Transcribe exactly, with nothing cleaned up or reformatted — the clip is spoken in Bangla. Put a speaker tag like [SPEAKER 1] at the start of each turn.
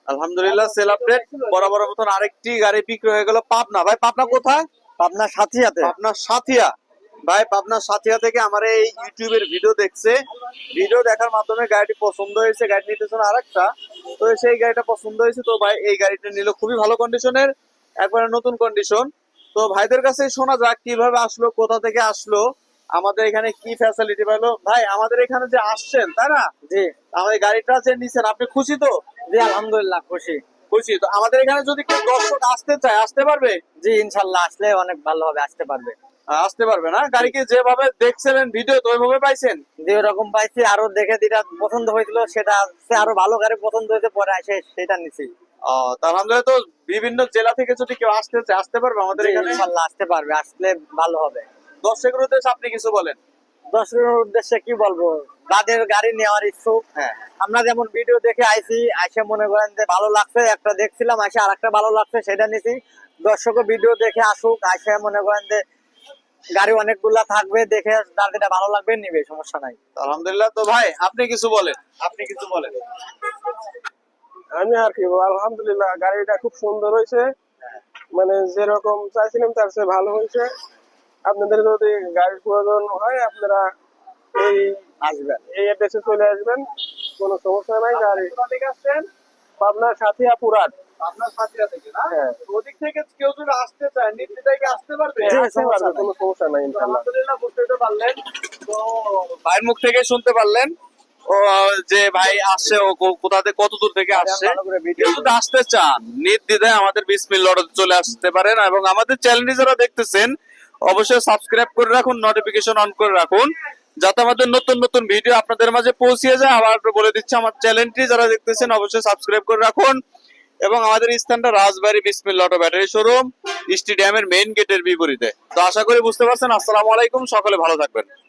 [SPEAKER 1] আলহামদুলিল্লাহ সেল আপডেট বরাবর মতন আরেকটি গাড়ি বিক্রি হয়ে গেল পাবনা। ভাই পাবনা কোথায়?
[SPEAKER 2] পাবনা সাথিয়াতে।
[SPEAKER 1] পাবনা সাথিয়া। ভাই পাবনা সাথিয়া থেকে আমার এই ইউটিউবের ভিডিও দেখছে, ভিডিও দেখার মাধ্যমে গাড়িটি পছন্দ হয়েছে, গাড়ি নিতেছে না আরেকটা, তো সেই গাড়িটা পছন্দ হয়েছে, তো ভাই এই গাড়িটা নিল, খুবই ভালো কন্ডিশনের, একবারে নতুন কন্ডিশন। তো ভাইদের কাছে শোনা যাক কিভাবে আসলো, কোথা থেকে আসলো, আমাদের এখানে কি ফ্যাসিলিটি পেলো। ভাই আমাদের এখানে যে আসছেন তাই না,
[SPEAKER 2] জি
[SPEAKER 1] আমাদের গাড়িটা যে নিছেন আপনি খুশি তো?
[SPEAKER 2] জি আলহামদুলিল্লাহ খুশি।
[SPEAKER 1] খুশি তো। আমাদের এখানে যদি কেউ দর্শক আসতে চায় আসতে পারবে?
[SPEAKER 2] জি ইনশাল্লাহ আসলে অনেক ভালো হবে, আসতে পারবে।
[SPEAKER 1] আহ, আসতে পারবে না? গাড়িকে যেভাবে দেখছিলেন ভিডিও তো ওইভাবে পাইছেন?
[SPEAKER 2] যে ওরকম পাইছি, আরো দেখে যেটা পছন্দ হয়েছিল সেটা সে আরো ভালো গাড়ি পছন্দ হয়েছে, পরে এসে সেটা নিছি।
[SPEAKER 1] আহ তার আলহামদুলিল্লাহ। তো বিভিন্ন জেলা থেকে যদি কেউ আসতে চায় আসতে পারবে আমাদের
[SPEAKER 2] জি,
[SPEAKER 1] এখানে?
[SPEAKER 2] ইনশাল্লাহ আসতে পারবে, আসলে ভালো হবে।
[SPEAKER 1] দর্শকের উদ্দেশ্যে আপনি কিছু বলেন।
[SPEAKER 2] দর্শকের উদ্দেশ্যে কি বলবো, যাদের গাড়ি নেওয়ার ইচ্ছুক,
[SPEAKER 1] হ্যাঁ
[SPEAKER 2] আমরা যেমন ভিডিও দেখে আইছি, আইসে মনে করেন যে ভালো লাগছে, একটা দেখছিলাম আইসে আর একটা ভালো লাগছে সেটা নিছি। দর্শকও ভিডিও দেখে আসুক, আইসে মনে করেন যে গাড়ি অনেকগুলা থাকবে, দেখে যার যেটা ভালো লাগবে নিবে, সমস্যা নাই।
[SPEAKER 1] আলহামদুলিল্লাহ। তো ভাই আপনি কিছু বলেন, আপনি কিছু বলেন।
[SPEAKER 3] আমি আর কি বলবো, আলহামদুলিল্লাহ গাড়িটা খুব সুন্দর হয়েছে, মানে যেরকম চাইছিলাম তার চেয়ে ভালো হয়েছে। আপনাদের যদি গাড়ির প্রয়োজন হয় আপনারা এই
[SPEAKER 2] আসবেন।
[SPEAKER 3] এই অ্যাড্রেসে চলে আসবেন, কোনো সমস্যা নাই। গাড়ি পাবনার সাথিয়া পুরাট।
[SPEAKER 1] আপনার সাথিয়া থেকে না?
[SPEAKER 3] হ্যাঁ।
[SPEAKER 1] ওদিক থেকে কেউ যদি আসতে চায় নির্দ্বিধায় কি আসতে পারবে?
[SPEAKER 3] জি, আসতে পারবে, কোনো সমস্যা নাই ইনশাআল্লাহ।
[SPEAKER 1] আলহামদুলিল্লাহ বুঝতে পারলেন। তো ভাইয়ের মুখ থেকে শুনতে পারলেন ও যে ভাই আসছে, ও কো- কোথা থেকে কত দূর থেকে আসছে।
[SPEAKER 2] ভালো করে ভিডিও
[SPEAKER 1] কেউ যদি আসতে চান নির্দ্বিধায় আমাদের বিসমিল্লাহ লটতে চলে আসতে পারেন, এবং আমাদের চ্যানেলটি যারা দেখতেছেন অবশ্যই সাবস্ক্রাইব করে রাখুন, নোটিফিকেশন অন করে রাখুন, যাতে আমাদের নতুন নতুন ভিডিও আপনাদের মাঝে পৌঁছে যায়। আবার বলে দিচ্ছি, আমার চ্যানেলটি যারা দেখতেছেন অবশ্যই সাবস্ক্রাইব করে রাখুন, এবং আমাদের স্থানটা Rajbari Bismillah auto battery showroom, স্টেডিয়ামের মেইন গেটের বিপরীতে। তো আশা করি বুঝতে পারছেন। আসসালামু আলাইকুম, সকলে ভালো থাকবেন।